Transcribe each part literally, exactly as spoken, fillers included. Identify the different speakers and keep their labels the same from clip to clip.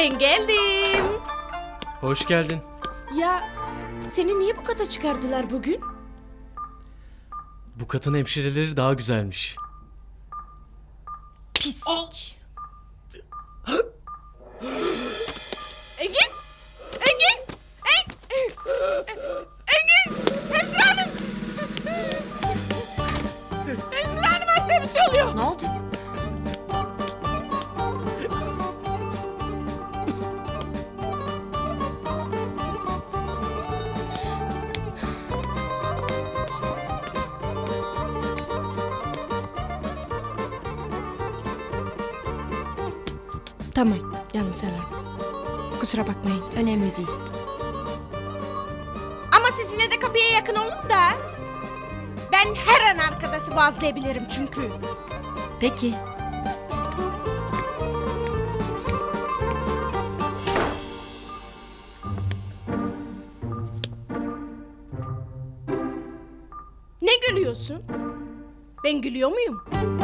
Speaker 1: Ben geldim.
Speaker 2: Hoş geldin.
Speaker 1: Ya seni niye bu kata çıkardılar bugün?
Speaker 2: Bu katın hemşireleri daha güzelmiş.
Speaker 1: Pislik. Engin! Engin! Engin! Engin! Hemşire hanım! Hemşire hanım hastaya bir şey oluyor.
Speaker 3: Ne oldu?
Speaker 1: Tamam, yalnız alarm. Kusura bakmayın.
Speaker 3: Önemli değil.
Speaker 1: Ama siz yine de kapıya yakın olun da. Ben her an arkadaşı bazlayabilirim çünkü.
Speaker 3: Peki.
Speaker 1: Ne gülüyorsun? Ben gülüyor muyum?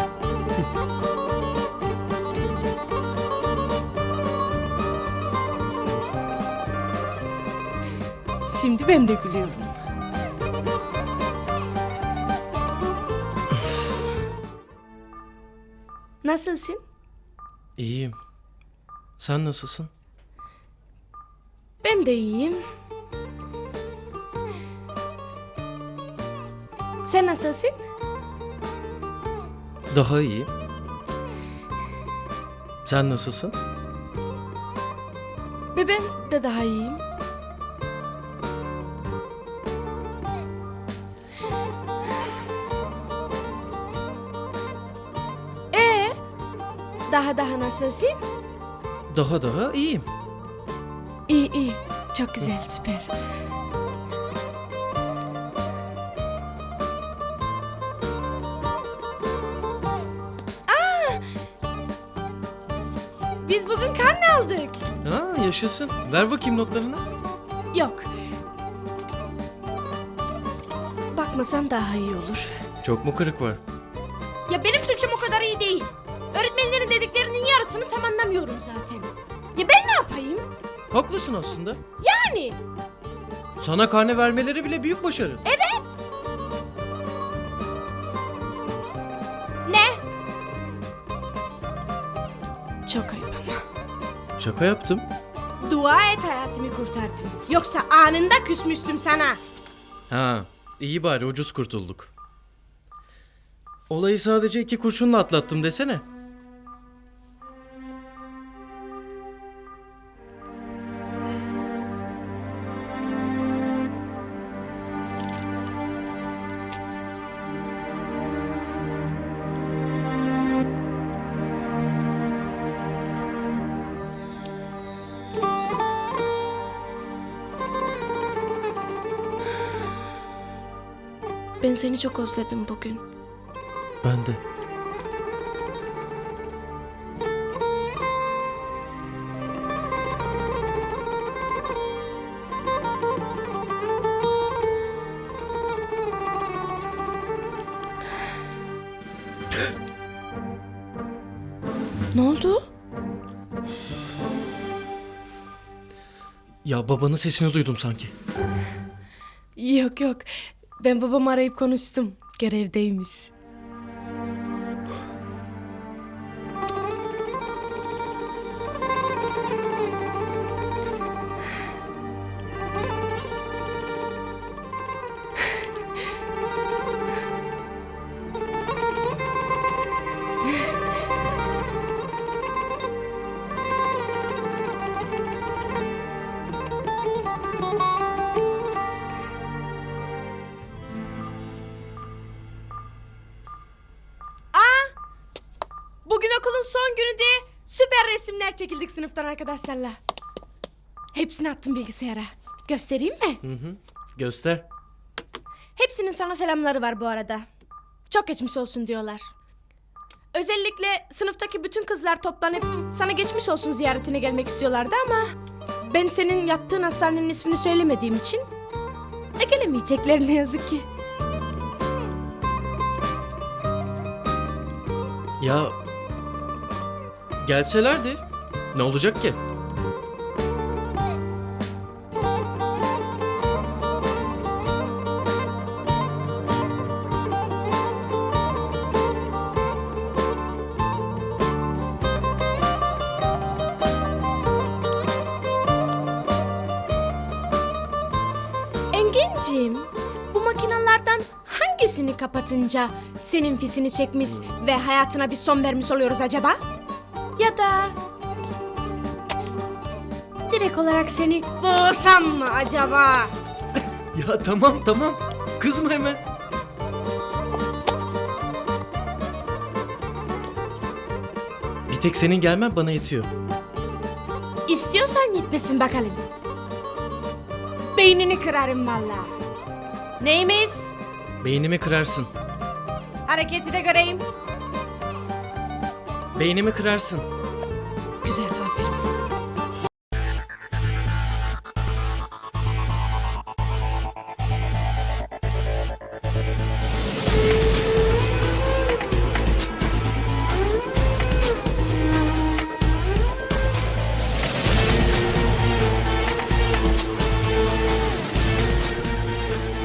Speaker 1: Şimdi ben de gülüyorum. Nasılsın?
Speaker 2: İyiyim. Sen nasılsın?
Speaker 1: Ben de iyiyim. Sen nasılsın?
Speaker 2: Daha iyiyim. Sen nasılsın?
Speaker 1: Ve ben de daha iyiyim. Ee, daha daha nasılsın?
Speaker 2: Daha daha iyiyim.
Speaker 1: İyi iyi. Çok güzel, süper. Aa! Biz bugün karne aldık.
Speaker 2: Ha, yaşasın. Ver bakayım notlarını.
Speaker 1: Yok. Bakmasan daha iyi olur.
Speaker 2: Çok mu kırık var?
Speaker 1: Ya benim Türkçem o kadar iyi değil. Öğretmenlerin dediklerinin yarısını tam anlamıyorum zaten. Ya ben ne yapayım?
Speaker 2: Haklısın aslında.
Speaker 1: Yani.
Speaker 2: Sana karne vermeleri bile büyük başarı.
Speaker 1: Evet. Ne? Çok ayıp ama.
Speaker 2: Şaka yaptım.
Speaker 1: Dua et hayatımı kurtardın. Yoksa anında küsmüştüm sana.
Speaker 2: Ha, iyi bari ucuz kurtulduk. Olayı sadece iki kurşunla atlattım desene.
Speaker 1: Ben seni çok özledim bugün.
Speaker 2: Ben de.
Speaker 1: Ne oldu?
Speaker 2: Ya babanın sesini duydum sanki.
Speaker 1: Yok yok. Ben babamı arayıp konuştum. Görevdeymiş. Bugün okulun son günü diye süper resimler çekildik sınıftan arkadaşlarla. Hepsini attım bilgisayara. Göstereyim mi?
Speaker 2: Hı hı. Göster.
Speaker 1: Hepsinin sana selamları var bu arada. Çok geçmiş olsun diyorlar. Özellikle sınıftaki bütün kızlar toplanıp sana geçmiş olsun ziyaretine gelmek istiyorlardı ama ben senin yattığın hastanenin ismini söylemediğim için e gelemeyecekler ne yazık ki.
Speaker 2: Ya gelselerdi ne olacak ki?
Speaker 1: bakayım. Bu makinalardan hangisini kapatınca senin fisini çekmiş ve hayatına bir son vermiş oluyoruz acaba? Ya da direkt olarak seni boğsam mı acaba?
Speaker 2: Ya tamam tamam. Kızma hemen. Bir tek senin gelmen bana yetiyor.
Speaker 1: İstiyorsan gitmesin bakalım. Beynini kırarım vallahi. Neymiş?
Speaker 2: Beynimi kırarsın.
Speaker 1: Hareketi de göreyim.
Speaker 2: Beynimi kırarsın.
Speaker 1: Güzel.